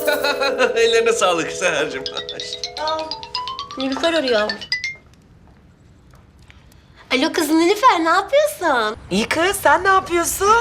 Ellerine sağlık Seher'cim. Nilüfer arıyor. Alo kız Nilüfer, ne yapıyorsun? İyi kız, sen ne yapıyorsun?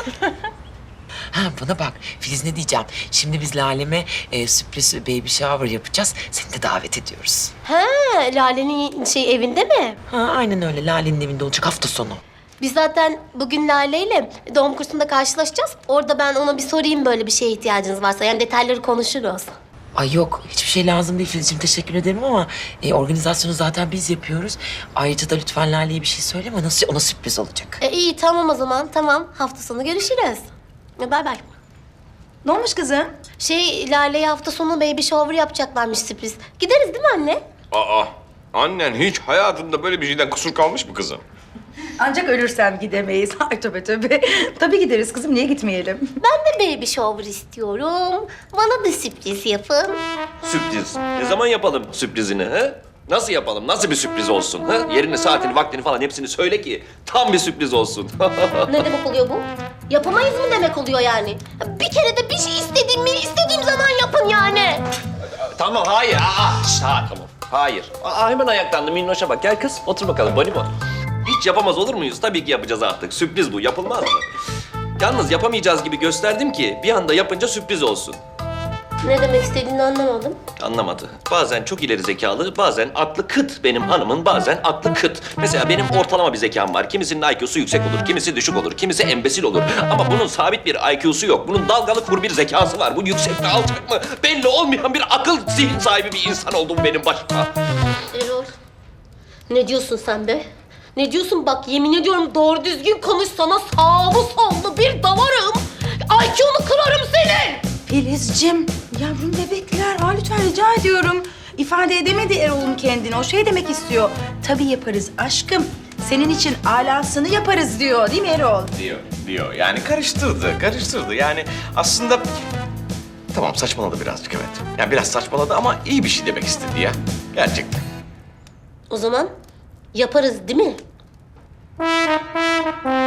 Ha, bana bak, Filiz ne diyeceğim? Şimdi biz Lale'me sürpriz baby shower yapacağız. Seni de davet ediyoruz. Ha, Lale'nin evinde mi? Ha, aynen öyle. Lale'nin evinde olacak hafta sonu. Biz zaten bugün Lale ile doğum kursunda karşılaşacağız. Orada ben ona bir sorayım böyle bir şeye ihtiyacınız varsa. Yani detayları konuşuruz. Ay yok, hiçbir şey lazım değil Filizciğim. Teşekkür ederim ama organizasyonu zaten biz yapıyoruz. Ayrıca da lütfen Lale'ye bir şey söyleme. Nasıl ona sürpriz olacak. İyi tamam o zaman, tamam. Hafta sonu görüşürüz. Bay bay. Ne olmuş kızım? Lale'ye hafta sonu baby shower yapacaklarmış sürpriz. Gideriz değil mi anne? Aa, annen hiç hayatında böyle bir şeyden kusur kalmış mı kızım? Ancak ölürsem gidemeyiz. Ay tövbe tövbe. Tabii gideriz kızım, niye gitmeyelim? Ben de baby shower istiyorum. Bana da sürpriz yapın. Sürpriz. Ne zaman yapalım sürprizini ha? Nasıl yapalım? Nasıl bir sürpriz olsun? Ha? Yerini, saatini, vaktini falan hepsini söyle ki tam bir sürpriz olsun. Ne demek oluyor bu? Yapamayız mı demek oluyor yani? Bir kere de bir şey istediğim zaman yapın yani. Tamam, hayır. Tamam. Hayır. Hemen ayaklandı Minnoş'a bak. Gel kız, otur bakalım bonibon. Hiç yapamaz olur muyuz? Tabii ki yapacağız artık. Sürpriz bu. Yapılmaz mı? Yalnız yapamayacağız gibi gösterdim ki bir anda yapınca sürpriz olsun. Ne demek istediğini anlamadım. Anlamadı. Bazen çok ileri zekalı, bazen aklı kıt benim hanımın, bazen aklı kıt. Mesela benim ortalama bir zekam var. Kimisinin IQ'su yüksek olur, kimisi düşük olur, kimisi embesil olur. Ama bunun sabit bir IQ'su yok. Bunun dalgalı kur bir zekası var. Bu yüksek mi alçak mı? Belli olmayan bir akıl zihin sahibi bir insan oldum benim başıma. Erol, ne diyorsun sen be? Ne diyorsun bak yemin ediyorum doğru düzgün konuş sana sağlı sollu bir davarım. IQ'nu kırarım senin. Filizcim, yavrum bebekler. Lütfen rica ediyorum. İfade edemedi Erol'un kendini. O şey demek istiyor. Tabii yaparız aşkım. Senin için alasını yaparız diyor. Değil mi Erol? Diyor. Yani karıştırdı. Yani aslında... Tamam saçmaladı birazcık evet. Yani biraz saçmaladı ama iyi bir şey demek istedi ya. Gerçekten. O zaman yaparız değil mi?